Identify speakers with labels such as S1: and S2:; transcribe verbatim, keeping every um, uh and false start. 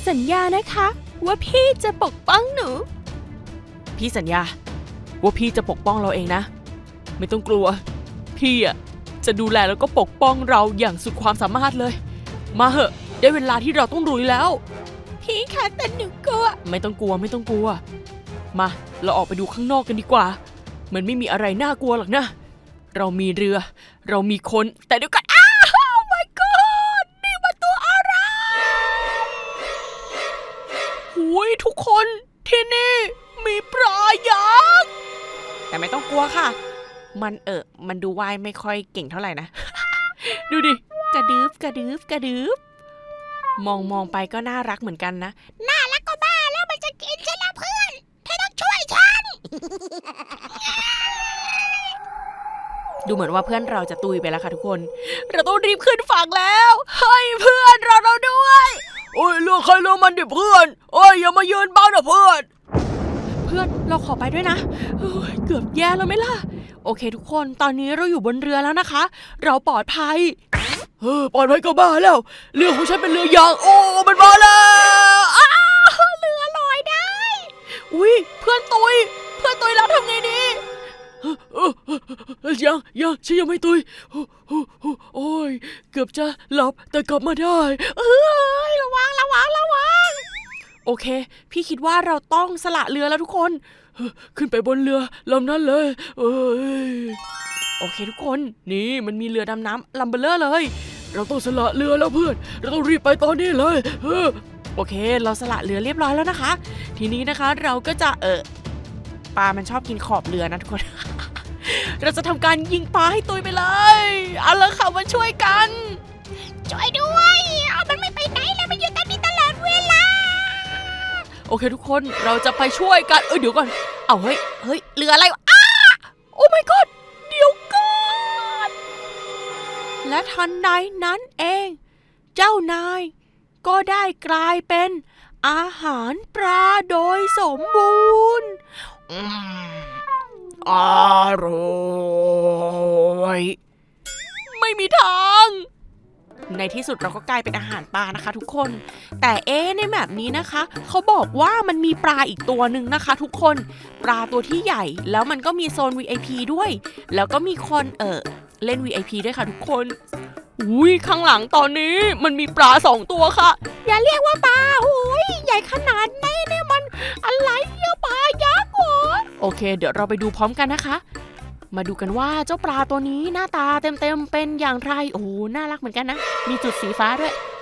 S1: สัญญานะคะว่าพี่จะปกป้องหนูพี่สัญญาว่าพี่จะปกป้องเราเองนะไม่ต้องกลัวพี่อ่ะจะดูแลแล้วก็ปกป้องเราอย่างสุดความสามารถเลยมาเหอะได้เวลาที่เราต้องลุยแล้วพี่คะแต่หนูกลัวไม่ต้องกลัวไม่ต้องกลัวมาเราออกไปดูข้างนอกกันดีกว่ามันไม่มีอะไรน่ากลัวหรอกนะเรามีเรือเรามีคนแต่เดี๋ยวก่อนอ้าว my god นี่มันตัวอะไรหุยทุกคนที่นี่มีปลายักษ์แต่ไม่ต้องกลัวค่ะมันเออมันดูว่ายไม่ค่อยเก่งเท่าไหร่นะ ดูดิกระดึบกระดึบกระดึบมองมองไปก็น่ารักเหมือนกันนะน่ารักก็บ้าแล้วมันจะกินฉันละเพื่อนเธอต้องช่วยฉัน ดูเหมือนว่าเพื่อนเราจะตุยไปแล้วค่ะทุกคนเราต้องรีบขึ้นฝั่งแล้วให้เพื่อนเราเราด้วยโอ้ยเรื่องใครเรื่องมันดิเพื่อนโอ้ยอย่ามายืนบ้างนะเพื่อนเพื่อนเราขอไปด้วยนะเกือบแย่แล้วไหมล่ะโอเคทุกคนตอนนี้เราอยู่บนเรือแล้วนะคะเราปลอดภัยเออปลอดภัยก็บ้าแล้วเรือของฉันเป็นเรือยางโอ้มันมาแล้วอ้าวเรือลอยได้อุ้ยเพื่อนตุยเพื่อนตุยแล้วทำไงดียังยังฉันยังไม่ตุยโอ้ยเกือบจะหลับแต่กลับมาได้เอ้ยระวังระวังระวังโอเคพี่คิดว่าเราต้องสละเรือแล้วทุกคนขึ้นไปบนเรือลำนั้นเลยเอ้ยโอเคทุกคนนี่มันมีเรือดำน้ำลำเบลเลอร์เลยเราต้องสละเรือแล้วเพื่อนเราต้องรีบไปตอนนี้เลยโอเคเราสละเรือเรียบร้อยแล้วนะคะทีนี้นะคะเราก็จะเออปลามันชอบกินขอบเรือนะทุกคน เราจะทำการยิงปลาให้ตุยไปเลยเอาละค่ะมาช่วยกันช่วยด้วยเอามันไม่ไปไหนแล้วมันอยู่ตรงนี้ตลอดเวลาโอเคทุกคนเราจะไปช่วยกันเออเดี๋ยวก่อนเอาเฮ้ยเฮ้ยเรืออะไรวะอ้าโอ้ my god เดี๋ยวก่อนและทันใดนั้นเองเจ้านายก็ได้กลายเป็นอาหารปลาโดยสมบูรณ์อืมอร่อยไม่มีทางในที่สุดเราก็กลายเป็นอาหารปลานะคะทุกคนแต่เอ๊ะในแบบนี้นะคะเขาบอกว่ามันมีปลาอีกตัวหนึ่งนะคะทุกคนปลาตัวที่ใหญ่แล้วมันก็มีโซน วี ไอ พี ด้วยแล้วก็มีคนเออเล่น วี ไอ พี ด้วยค่ะทุกคนอุ้ยข้างหลังตอนนี้มันมีปลาสองตัวค่ะอย่าเรียกว่าปลาโอ้ยใหญ่ขนาดนี้เนี่ยมันอะไรเนี่ยปลายักษ์เหรอโอเคเดี๋ยวเราไปดูพร้อมกันนะคะมาดูกันว่าเจ้าปลาตัวนี้หน้าตาเต็มๆเป็นอย่างไรโอ้น่ารักเหมือนกันนะมีจุดสีฟ้าด้วย